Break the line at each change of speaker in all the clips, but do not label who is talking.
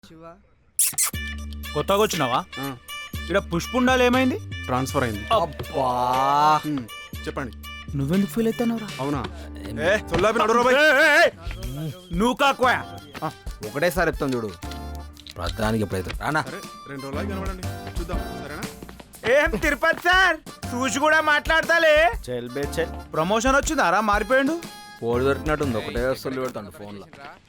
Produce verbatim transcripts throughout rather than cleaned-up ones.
కొత్తగా వచ్చినావా? ఇక్కడ పుష్పుండాలు ఏమైంది?
ట్రాన్స్ఫర్ అయింది.
అబ్బా
హ్మ్, చెప్పండి.
నువ్వెందుకు ఫీల్ అవుతున్నావురా?
అవునా? ఏ సొల్లాపి నడురా బై.
నువ్వు కాకోయా
ఒకటేసారి చెప్తాను చూడు, ప్రధానికి ఎప్పుడైతే రానా
అరే రెండు రోజులు కనబడండి, చూద్దాం సరేనా?
ఏం తిరుపతి సార్ చూసి కూడా మాట్లాడతాలే. చెల్ బే చెల్. ప్రమోషన్ వచ్చిందారా? మారిపోయిండు.
కోడి దొరికినట్టుంది, ఒకటే వస్తువులు పెడతాడు ఫోన్లో.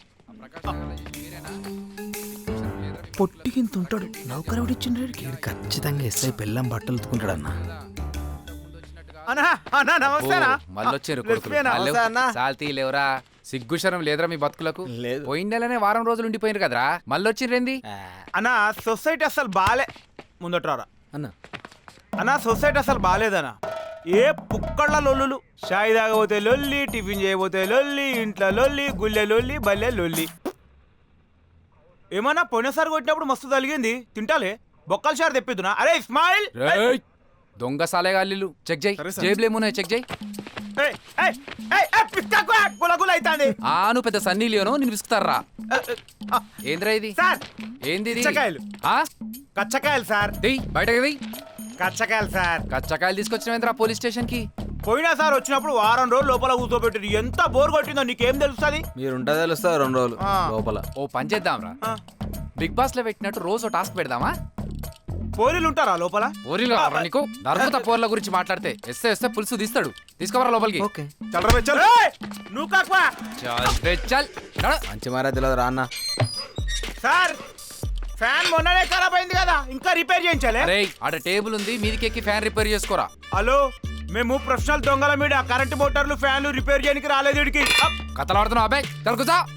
పొట్టికింత ఉంటాడు నౌకరవుడిచ్చిండ్రేడికి.
ఖచ్చితంగా ఎస్ఐ పెళ్ళం బట్టలు ఉతుకుంటాడు అన్న.
అన్నా అన్నా నమస్తేనా?
మళ్ళొచ్చారు
లక్ష్మీనా? నమస్తే అన్నా.
సాల్తీ లేవరా? సిగ్గుశరం లేదురా మీ బతుకులకు?
లేదు.
పోయిన నెలనే వారం రోజులు ఉండిపోయినారు కదరా, మళ్ళొచ్చిర్రేంది?
అన్నా సొసైటీ అసలు బాలే. ముందట్రారా
అన్న
అన్నా, సొసైటీ అసలు బాలేదన్నా. ఏ పుక్కళ్ళ లొల్లులు. షాయి తాగబోతే లొల్లి, టిఫిన్ చేయబోతే లొల్లి, ఇంట్లో లొల్లి, గుళ్ళె లొల్లి, బల్లె లొల్లి. ఏమన్నా పోయినసారి కొట్టినప్పుడు మస్తు తలిగింది. తింటాలే బొక్కల షార్ తెప్పిద్దునా? అరే ఇస్మాయిల్,
రేయ్! దొంగ సాలేగాళ్ళు చెక్ చేయి,
సరే సార్.
జేబులేమున్నాయి చెక్ చేయి.
ఏయ్, ఏయ్, ఏయ్, ఏయ్, పిచ్చాకు, గుల గుల అయితాంది.
ఆను పెద్ద సన్నీ లియోను నేను విసుకుతారా?
ఆ,
ఏంద్రా ఇది?
సార్
ఏంది ఇది?
కచ్చకాయలు.
ఆ?
కచ్చకాయలు సార్,
దియ్ బయటకి దియ్.
కచ్చకాయలు సార్.
కచ్చకాయలు తీసుకొచ్చినవేంద్రా పోలీస్ స్టేషన్ కి?
పోయినా సార్ వచ్చినప్పుడు వారం రోజులు లోపల కూర్చోబెట్టి ఎంత బోర్ కొట్టిందో నీకేం తెలుస్తుంది?
మీరుంటే తెలుస్తుంది రెండు రోజులు
ఆ.
లోపల.
ఓ పని చేద్దాంరా, బిగ్ బాస్ లో పెట్టినట్టు రోజు టాస్క్ పెడదామా?
పోలీలు ఉంటారా లోపల?
పోరీలు కావాలా నీకు? నరుకుత పోర్ల గురించి మాట్లాడితే ఎస్తే ఎస్తే పులుసు తీస్తాడు. తీసుకోవరా లోపలికి.
ఓకే
చల్లరా బై, చల్.
ఏయ్, నువ్వు కాకువా.
చల్ బే చల్. నడు.
మంచి మారా తెలియదు రా అన్న.
సార్ ఫ్యాన్ మొన్ననే ఖరాబ్ అయింది కదా, ఇంకా రిపేర్ చేయించాలి.
అరే ఆడ టేబుల్ ఉంది, మీదికి ఎక్కి ఫ్యాన్ రిపేర్ చేసుకోరా.
హలో, మేము ప్రొఫెషనల్ దొంగల మీద కరెంట్ మోటార్లు ఫ్యాన్లు రిపేర్ చేయడానికి రాలేదు ఇడికి.
కథలాడుతున్నావు అబ్బాయి, తలకుసా.